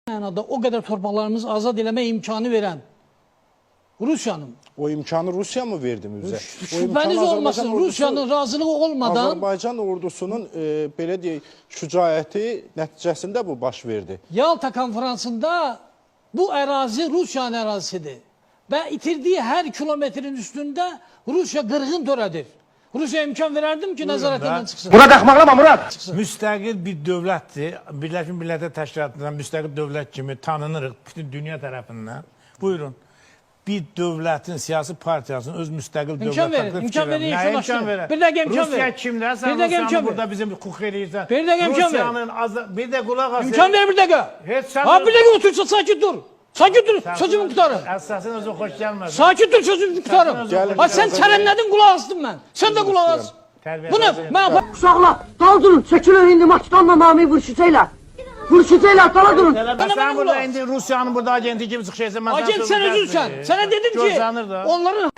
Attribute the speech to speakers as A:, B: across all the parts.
A: mənada o qədər torpaqlarımızı azad eləmə imkanı verən Rusiyanın.
B: O imkanı Rusya mı verdi bizə?
A: Şübhəniz olmasın, Rusiyanın razılığı olmadan
B: Azərbaycan ordusunun belə deyək, şücaəti nəticəsində bu baş verdi.
A: Yalta konferansında bu ərazi Rusiyanın ərazisidir. Və itirdiyi hər kilometrin üstündə Rusiya qırğın törədir. Rusya imkan verərdim ki, nəzarətindən çıxsın.
C: Murad axmaqlama, Murad!
D: Müstəqil bir dövlətdir. Birləşmiş Millətlər Təşkilatından müstəqil dövlət kimi tanınırıq bütün dünya tərəfindən. Buyurun. Bir dövlətin, siyasi partiyasının öz müstəqil
A: İmkan verin, imkan verin, imkan verin. Bir dəqiqə imkan verin.
D: Rusiya kimdə? Sən Rusiyanı burada bizim hukuk eləyirsən.
A: Bir dəqiqə imkan verin.
D: Bir də qulaq asın.
A: İmkan ver bir dəqiqə. Ha, bir dəqiqə otursa, sakit dur. Sakit dur, sözümü qutarım.
D: Əsasın özü xoş gəlməz.
A: Sakit dur, sözümü qutarım. Ha, sən çərənlədin, qulaq astın mən. Sən də qulaq as. Bu nə?
E: Uşaqlar, dal durun, çəkilin indi Makedonla Nami vuruşacaqlar. Vuruşacaqlar, dala durun.
D: Sən burada indi Rusiyanın burada agenti kimi çıxışaysan.
A: Agent sən özünsən. Sənə dedim ki, onların...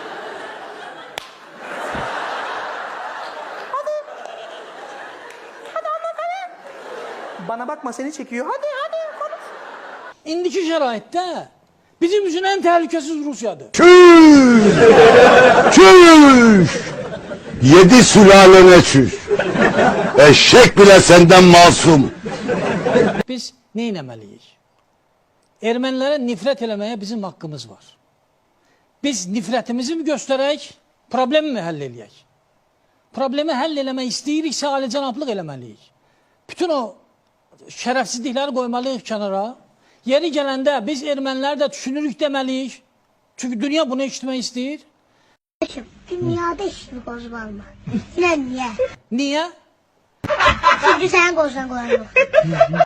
E: Bana bakma, seni çekiyor. Hadi, hadi.
A: İndiki şəraitdə bizim üçün ən təhlükəsiz Rusiyadır.
C: Çüş! Yedi sülalene çüş! Eşek bile senden masum!
A: Biz nə eləməliyik? Ermənilərə nifrət eləməyə bizim haqqımız var. Biz nifrətimizi mi göstərək, problemi mi həll eləyək? Problemi həll eləmək istəyiriksə, alicənablıq eləməliyik. Bütün o şərəfsizlikləri qoymalıyıq kənara. Yeri gələndə biz erməniləri də düşünürük deməliyik. Çünki dünya bunu eşitmək istəyir.
F: Dünyada işini qozulma. Niyə?
A: Niyə?
F: Çünki sənin qozdan qoyan yoxdur.